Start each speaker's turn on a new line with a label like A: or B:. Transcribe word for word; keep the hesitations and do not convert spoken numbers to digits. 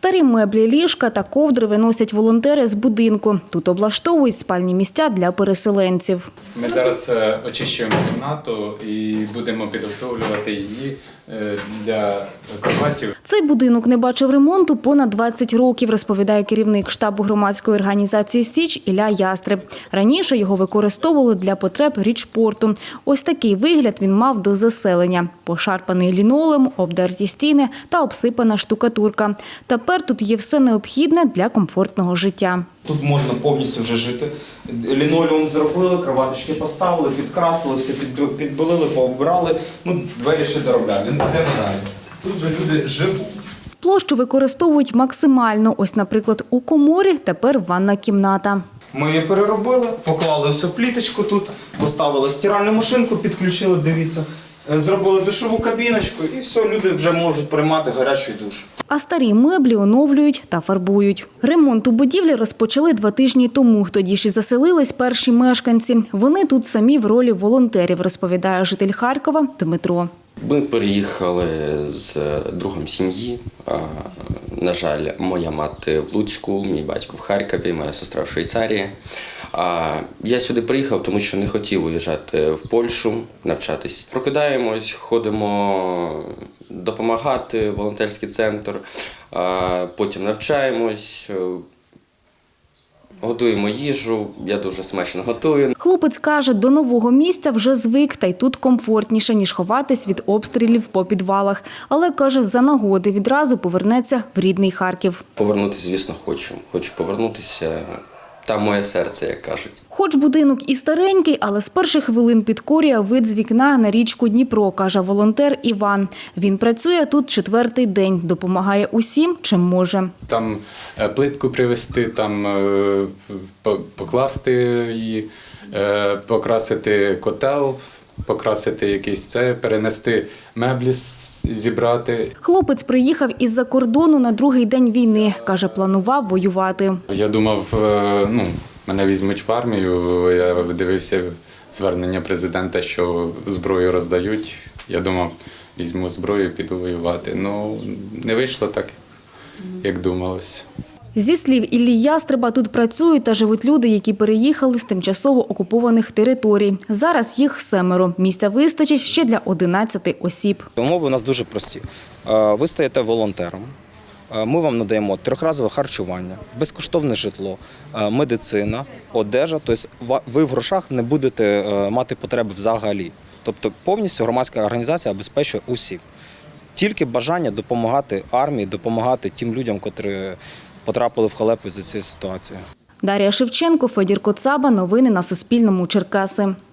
A: Старі меблі, ліжка та ковдри виносять волонтери з будинку. Тут облаштовують спальні місця для переселенців.
B: Ми зараз очищуємо кімнату і будемо підготовлювати її для кроватів.
A: Цей будинок не бачив ремонту понад двадцять років, розповідає керівник штабу громадської організації «Січ» Ілля Ястреб. Раніше його використовували для потреб річпорту. Ось такий вигляд він мав до заселення. Пошарпаний лінолеум, обдерті стіни та обсипана штукатурка. Тепер тут є все необхідне для комфортного життя.
C: Тут можна повністю вже жити. Лінолеум зробили, кроваточки поставили, підкрасили, все підбелили, пообирали. Ну, двері ще доробляємо. Йдемо далі. Тут вже люди живуть.
A: Площу використовують максимально. Ось, наприклад, у коморі тепер ванна кімната.
C: Ми її переробили, поклали ось пліточку тут, поставили стиральну машинку, підключили, дивіться. Зробили душову кабіночку і все, люди вже можуть приймати гарячий душ.
A: А старі меблі оновлюють та фарбують. Ремонт у будівлі розпочали два тижні тому. Тоді ж і заселились перші мешканці. Вони тут самі в ролі волонтерів, розповідає житель Харкова Дмитро.
D: Ми переїхали з другом сім'ї. На жаль, моя мати в Луцьку, мій батько в Харкові, моя сестра в Швейцарії. Я сюди приїхав, тому що не хотів уїжджати в Польщу, навчатись. Прокидаємось, ходимо допомагати, волонтерський центр, потім навчаємось, готуємо їжу, я дуже смачно готую.
A: Хлопець каже, до нового місця вже звик, та й тут комфортніше, ніж ховатись від обстрілів по підвалах. Але, каже, за нагоди відразу повернеться в рідний Харків.
D: Повернутися, звісно, хочу. Хочу повернутися. Там моє серце, як кажуть.
A: Хоч будинок і старенький, але з перших хвилин підкорює вид з вікна на річку Дніпро, каже волонтер Іван. Він працює тут четвертий день, допомагає усім, чим може.
B: Там плитку привезти, там покласти її, покрасити котел, покрасити якийсь це, перенести меблі, зібрати.
A: Хлопець приїхав із-за кордону на другий день війни. Каже, планував воювати.
B: Я думав, ну, мене візьмуть в армію. Я дивився звернення президента, що зброю роздають. Я думав, візьму зброю, піду воювати. Ну, не вийшло так, як думалось.
A: Зі слів Іллі Ястреба, тут працюють та живуть люди, які переїхали з тимчасово окупованих територій. Зараз їх семеро. Місця вистачить ще для одинадцяти осіб.
C: Умови у нас дуже прості. Ви стаєте волонтером, ми вам надаємо трьохразове харчування, безкоштовне житло, медицина, одежа. Тобто ви в грошах не будете мати потреби взагалі. Тобто повністю громадська організація обезпечує усіх. Тільки бажання допомагати армії, допомагати тим людям, котрі потрапили в халепу за цією ситуацією.
A: Дар'я Шевченко, Федір Коцаба. Новини на Суспільному. Черкаси.